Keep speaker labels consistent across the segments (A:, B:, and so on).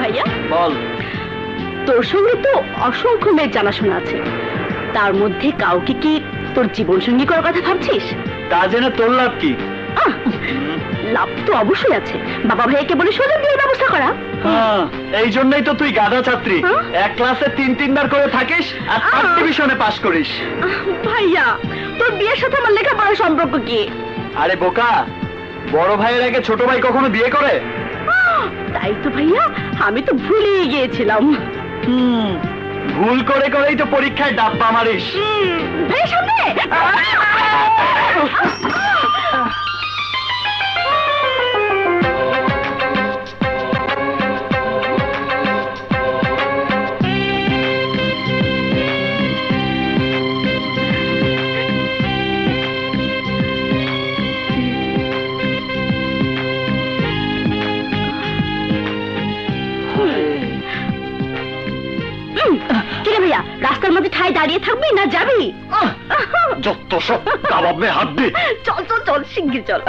A: ভাইয়া
B: বল।
A: তোর সঙ্গে তো অসংখ্য মেয়ের জানাশোনা আছে, তার মধ্যে কাউকে কি তোর জীবন সঙ্গী করার কথা ভাবছিস?
B: তা জেনে তোর লাভ কি?
A: আহ, লাভ তো অবশ্যই আছে। বাবা ভাইয়াকে বলে সোজা বিয়ের ব্যবস্থা করা।
B: এই জন্যই তো তুই গাধা ছাত্রী। এক ক্লাসে 3-3বার করে থাকিস আর ফার্স্ট ডিভিশনে পাস করিস।
A: ভাইয়া, তোর বিয়ের সাথে আমার লেখাপড়ার সম্পর্ক কি?
B: আরে বোকা, বড় ভাইয়ের আগে ছোট ভাই কখনো বিয়ে করে?
A: তাই তো ভাইয়া, আমি তো ভুলেই গিয়েছিলাম।
B: ভুল করে করেই তো পরীক্ষায় ডাব্বা মারিস।
A: ভাইয়া সামনে। কিরে ভাইয়া, রাস্তার মধ্যে ঠায় দাঁড়িয়ে থাকবি না যাবি?
B: যত সব কাবাব মে হাত দে।
A: চল চল চল, শিগগির চল।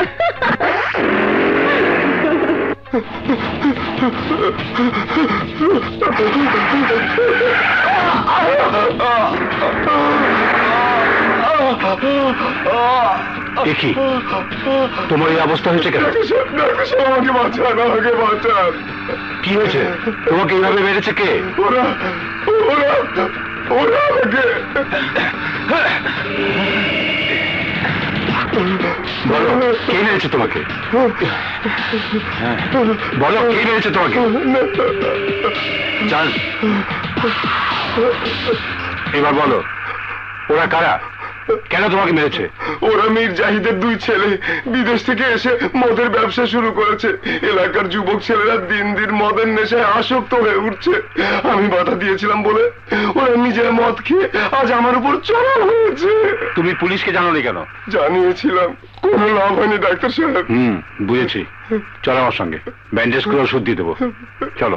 B: দেখি তোমার এই অবস্থা হয়েছে কেন?
C: আমাকে বাঁচান, আমাকে বাঁচান।
B: কি হয়েছে? তোমাকে এইভাবে মেরেছে কে?
C: ওরা ওরা ওরা আমাকে।
B: বলো, কে মেরেছে তোমাকে? বলো, কে মেরেছে তোমাকে? জান, এবার বলো, ওরা কারা? কেন তোমাকে মেরেছে?
C: ওরা মীর জাহিদের 2 ছেলে বিদেশ থেকে এসে মদের ব্যবসা শুরু করেছে। এলাকার যুবক ছেলেরা দিন দিন মদের নেশায় আসক্ত হয়ে উঠছে। আমি বাধা দিয়েছিলাম বলে ওরা নিজের মদ খেয়ে আজ আমার উপর চড়াও হয়েছে।
B: তুমি পুলিশকে জানোনি কেন?
C: জানিয়েছিলাম, কোনো লাভ হয়নি ডাক্তার সাহেব।
B: বুঝেছি। চলো আমার সঙ্গে, ব্যান্ডেজ করে ওষুধ দিয়ে দেবো। চলো।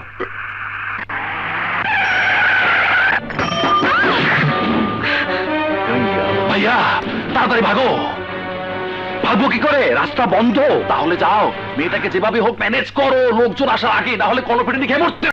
B: ভাইয়া তাড়াতাড়ি ভাগো। ভাগবো কি করে? রাস্তা বন্ধ। তাহলে যাও, মেয়েটাকে যেভাবে হোক ম্যানেজ করো, লোকজন আসার আগে, না হলে কলপিটানি খেয়ে মরতে